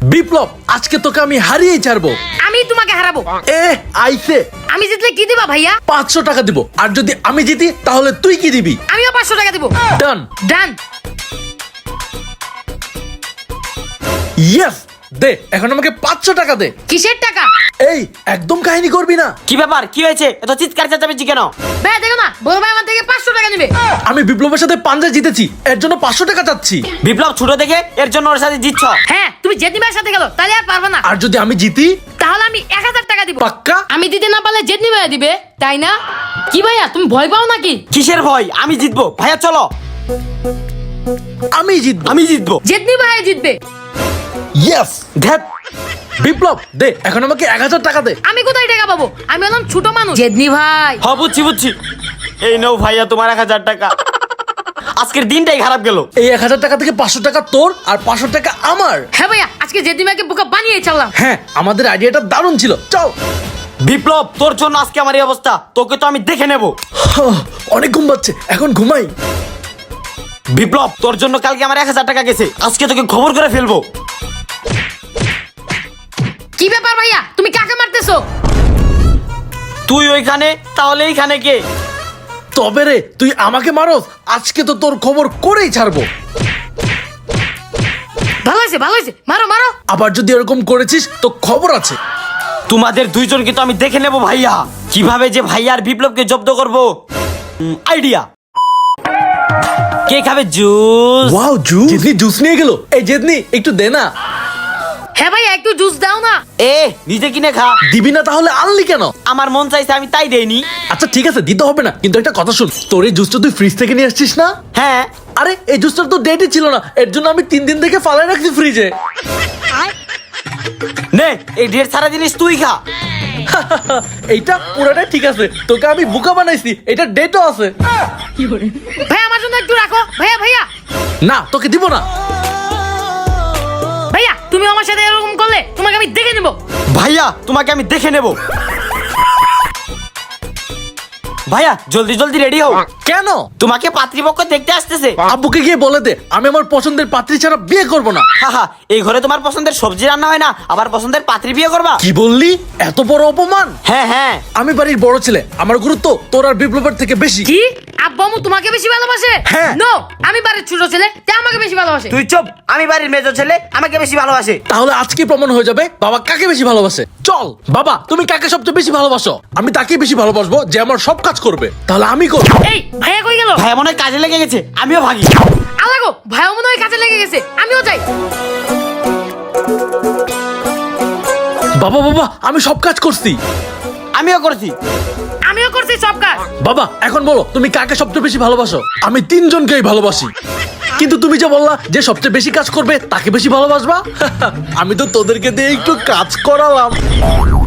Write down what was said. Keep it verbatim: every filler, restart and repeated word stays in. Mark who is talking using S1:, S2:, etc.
S1: বিপ্লব, আজকে তোকে আমি হারিয়েই ছাড়বো।
S2: আমি তোমাকে হারাবো।
S1: এ আইছে।
S2: আমি জিতলে কি দিবা ভাইয়া?
S1: পাঁচশো টাকা দিব। আর যদি আমি জিতি তাহলে তুই কি দিবি?
S2: আমিও পাঁচশো টাকা দিব।
S1: ডান
S2: ডান।
S1: ইয়েস, দে এখন আমাকে পাঁচশো টাকা দে।
S2: কিসের টাকা?
S1: এই একদম কাহিনী করবি না।
S3: কি ব্যাপার, কি হয়েছে? এত চিৎকার চেঁচামেচি কেন?
S2: ভাই দেখো না, বড় ভাই আমার থেকে পাঁচশো টাকা নেবে।
S1: আমি বিপ্লবের সাথে পাঞ্জা জিতেছি, এর জন্য পাঁচশো টাকা চাচ্ছি।
S3: বিপ্লব ছোট দেখে এর জন্য ওর সাথে জিতছ?
S2: হ্যাঁ, তুমি জেদনি ভাইয়ের সাথে গেলো, তাহলে আর পারবে না।
S1: আর যদি আমি জিতি?
S2: তাহলে আমি এক হাজার টাকা দিব।
S1: পাক্কা?
S2: আমি দিতে না পারলে জেদনি ভাইয়া দিবে, তাই না? কি ভাইয়া তুমি ভয় পাও নাকি?
S3: কিসের ভয়? আমি জিতবো ভাইয়া, চলো।
S1: আমি জিতবো।
S3: আমি জিতবো।
S2: জেদনি ভাইয়া জিতবে।
S1: ইয়েস।
S3: ধ্যাত।
S1: বিপ্লব দে এখন আমাকে এক হাজার টাকা দে।
S2: আমি কোথায় টাকা পাবো? আমি হলাম ছোট মানুষ। জেদনি ভাই।
S3: হ, বুঝছি বুঝছি। এই নাও ভাইয়া তোমার এক হাজার টাকা। আজকের দিনটাই খারাপ গেল।
S1: এই এক হাজার টাকা থেকে পাঁচশো টাকা তোর আর পাঁচশো টাকা আমার।
S2: হ্যাঁ ভাইয়া, আজকে জেদনি ভাইকে বোকা বানিয়ে চালাম।
S1: হ্যাঁ, আমাদের আইডিয়াটা দারুণ ছিল। চল।
S3: বিপ্লব, তোর জন্য আজকে আমার এই অবস্থা। তোকে তো আমি দেখে নেব।
S1: হাহ, অনেক ঘুম পাচ্ছে, এখন ঘুমাই।
S3: বিপ্লব, তোর জন্য কালকে আমার এক হাজার টাকা গেছে, আজকে তোকে খবর করে ফেলবো।
S2: কি ব্যাপার ভাইয়া, তুমি কাকে মারতেছো?
S3: তুই ওইখানে, তাহলে এইখানে কে?
S1: তবে রে, তুই আমাকে মারস, আজকে তো তোর খবর করেই ছাড়বো।
S2: ভালো হয়েছে ভালো হয়েছে, মারো মারো।
S1: আবার যদি এরকম করেছিস তো খবর আছে।
S3: তোমাদের দুইজনকে তো আমি দেখে নেব ভাইয়া। কিভাবে যে ভাইয়া আর বিপ্লবকে জব্দ করবো, আইডিয়া। কে খাবে জুস?
S1: Wow, juice. জেদনি জুস নিয়ে গেল। এই জেদনি একটু দে না।
S2: হ্যাঁ ভাইয়া, একটু জুস দাও না।
S3: এ নিজে কিনে খা।
S1: দিবি না তাহলে আনলি কেন?
S3: আমার মন চাইছে, আমি তাই দেইনি।
S1: আচ্ছা ঠিক আছে, দিতে হবে না, কিন্তু একটা কথা শুন, তোর এই জুসটা তুই ফ্রিজ থেকে নিয়ে আসছিস না?
S3: হ্যাঁ।
S1: আরে এই জুসটা তো ডেটই ছিল না, এর জন্য আমি তিন দিন থেকে ফালাই রাখছি ফ্রিজে।
S3: নে, এই ঢের সারা জিনিস তুই খা।
S1: এইটা পুরোটাই ঠিক আছে, তোকে আমি বোকা বানাইছি, এটা ডেটও আছে।
S2: ভাইয়া আমার জন্য একটু রাখো। ভাইয়া ভাইয়া
S1: না, তোকে দিব না।
S2: ভাইয়া, তুমি আমার সাথে এরকম করলে তোমাকে আমি দেখে নেব।
S3: ভাইয়া, তোমাকে আমি দেখে নেব। ভাইয়া জলদি জলদি রেডি হও।
S1: কেন?
S3: তোমাকে পাত্রীপক্ষ দেখতে আসতেছে।
S1: আব্বুকে গিয়ে বলে দে আমি আমার পছন্দের পাত্রী ছাড়া বিয়ে করব না।
S3: হাহা, এই ঘরে তোমার পছন্দের সবজি রান্না হয় না, আবার পছন্দের পাত্রী বিয়ে করবা?
S1: কি বললি? এত বড় অপমান!
S3: হ্যাঁ হ্যাঁ।
S1: আমি বাড়ির বড় ছেলে, আমার গুরুত্ব তোর আর বিপ্লবের থেকে বেশি।
S2: কি? আব্বু আম্মু তোমাকে বেশি ভালোবাসে?
S1: হ্যাঁ।
S2: নো, আমি বাড়ির ছোট ছেলে, তাই আমাকে বেশি ভালোবাসে।
S3: তুই চুপ, আমি বাড়ির মেজো ছেলে, আমাকে বেশি ভালোবাসে।
S1: তাহলে আজকে প্রমাণ হয়ে যাবে বাবা কাকে বেশি ভালোবাসে। চল বাবা, তুমি কাকে সবচেয়ে বেশি ভালোবাসো? আমি তাকেই বেশি ভালোবাসবো যে আমার সব কাজ করবে। তাহলে আমি করব।
S2: এই ভাইয়া কই গেল?
S3: ভাইয়া মনে হয় কাজে লেগে গেছে, আমিও ভাগি।
S2: আলাগো, ভাইয়া মনে হয় কাজে লেগে গেছে, আমিও যাই।
S1: বাবা বাবা, আমি সব কাজ করছি।
S3: আমিও করছি।
S2: আমিও করছি সব কাজ।
S1: বাবা এখন বলো তুমি কাকে সবচেয়ে বেশি ভালোবাসো? আমি তিনজনকেই ভালোবাসি, কিন্তু তুমি যে বললা যে সবচেয়ে বেশি কাজ করবে তাকে বেশি ভালোবাসবা। আমি তো তোদেরকে দিয়ে একটু কাজ করালাম।